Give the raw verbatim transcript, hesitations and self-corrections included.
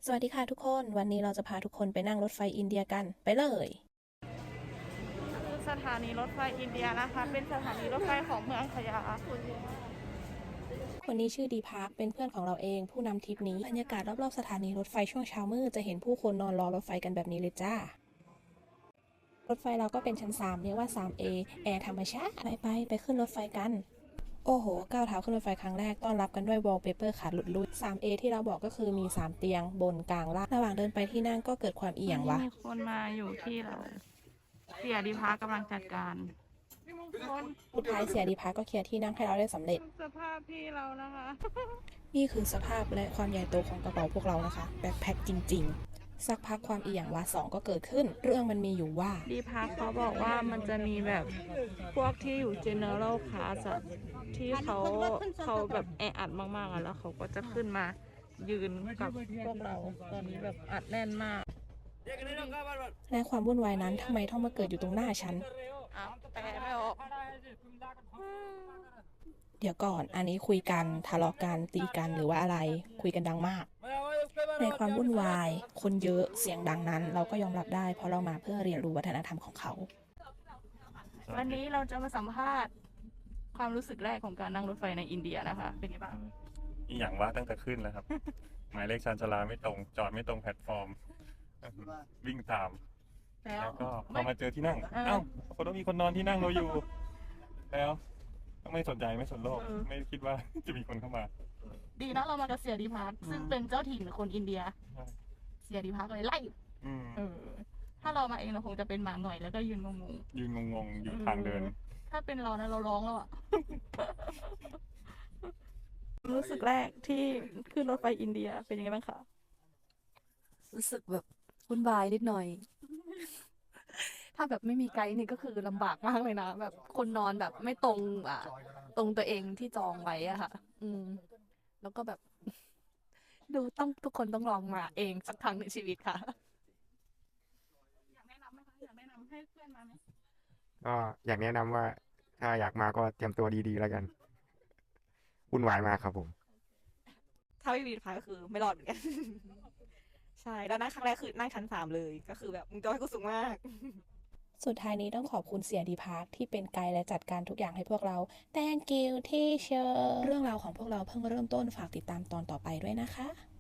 สวัสดีค่ะทุกคนวันนี้เราจะพาทุกคนไปนั่งรถไฟอินเดียกันไปเลยคือสถานีรถไฟอินเดียนะคะเป็นสถานีรถไฟของเมืองขยาคนนี้ชื่อดีพาร์คเป็นเพื่อนของเราเองผู้นำทริปนี้บรรยากาศรอบๆสถานีรถไฟช่วงเช้ามืดจะเห็นผู้คนนอนรอรถไฟกันแบบนี้เลยจ้ารถไฟเราก็เป็นชั้นสามเรียกว่า ทรี เอ แอร์ธรรมชาติไปไปไปขึ้นรถไฟกันโอ้โหก้าวเท้าขึ้นรถไฟครั้งแรกต้อนรับกันด้วยวอลเปเปอร์ขาดหลุดลุ่ย ทรี เอ ที่เราบอกก็คือมีสามเตียงบนกลางล่างระหว่างเดินไปที่นั่งก็เกิดความเอียงวะมีคนมาอยู่ที่เราเสียดีพากำลังจัดการคนสุดท้ายเสียดีพาร์คก็เคลียร์ที่นั่งให้เราได้สำเร็จสภาพที่เรานะคะนี่คือสภาพและความใหญ่โตของกระเป๋าพวกเรานะคะแบ็คแพ็คจริงๆสักพักความอีหยังวาสองก็เกิดขึ้นเรื่องมันมีอยู่ว่าดีพาเขาบอกว่ามันจะมีแบบพวกที่อยู่ general class อะที่เขาเขาแบบแออัดมากๆอะแล้วเขาก็จะขึ้นมายืนกับพวกเราตอนนี้แบบอัดแน่นมากและความวุ่นวายนั้นทำไมต้องมาเกิดอยู่ตรงหน้าฉันอ่ะแปลไม่ออกเดี๋ยวก่อนอันนี้คุยกันทะเลาะกันตีกันหรือว่าอะไรคุยกันดังมากในความวุ่นวายคนเยอะเสียงดังนั้นเราก็ยอมรับได้เพราะเรามาเพื่อเรียนรู้วัฒนธรรมของเขาวันนี้เราจะมาสัมภาษณ์ความรู้สึกแรกของการนั่งรถไฟในอินเดียนะคะ เป็นไงบ้างอีอย่างว่าตั้งแต่ขึ้นแล้วครับ หมายเลขชานชาลาไม่ตรง จอดไม่ตรงแพลตฟอร์ม วิ่งตามแล้วแล้วก็พอมาเจอที่นั่งเออเอ้าคนต้องมีคนนอนที่นั่งเราอยู่ แล้วก็ไม่สนใจไม่สนโลกเออไม่คิดว่า จะมีคนเข้ามาดีนะเรามากับเสียดีพัทซึ่งเป็นเจ้าถิ่นคนอินเดีย เสียดีพัทเลยไล่อืมเออ ถ้าเรามาเองเราคงจะเป็นหมาหน่อยแล้วก็ยืนงงยืนงงๆ อยู่ๆทางเดินออถ้าเป็นเรานะเราร้องแล้วอะ รู้สึกแรกที่ขึ้นรถไฟอินเดียเป็นยังไงบ้างคะรู้สึกแบบวุ่นวายนิดหน่อย ถ้าแบบไม่มีไกด์นี่ก็คือลำบากมากเลยนะ แบบคนนอนแบบไม่ตรงอ่ะตรงตัวเองที่จองไว้อะค่ะ อืม แล้วก็แบบ ดูต้องทุกคนต้องลองมาเองสักครั้งในชีวิตค่ะอยากแนะนำไหมคะอยากแนะนำให้เพื่อนมาไหมก็อยากแนะนำว่าถ้าอยากมาก็เตรียมตัวดีๆแล้วกันวุ่นวายมากครับผมถ้าไม่มีพายก็คือไม่รอดเหมือนกัน ใช่แล้วนั่งครั้งแรกคือนั่งชั้นสามเลยก็คือแบบมึงจะให้กูสูงมากสุดท้ายนี้ต้องขอบคุณเสียดีพาร์คที่เป็นไกด์และจัดการทุกอย่างให้พวกเรา thank you teacher เรื่องราวของพวกเราเพิ่งเริ่มต้นฝากติดตามตอนต่อไปด้วยนะคะ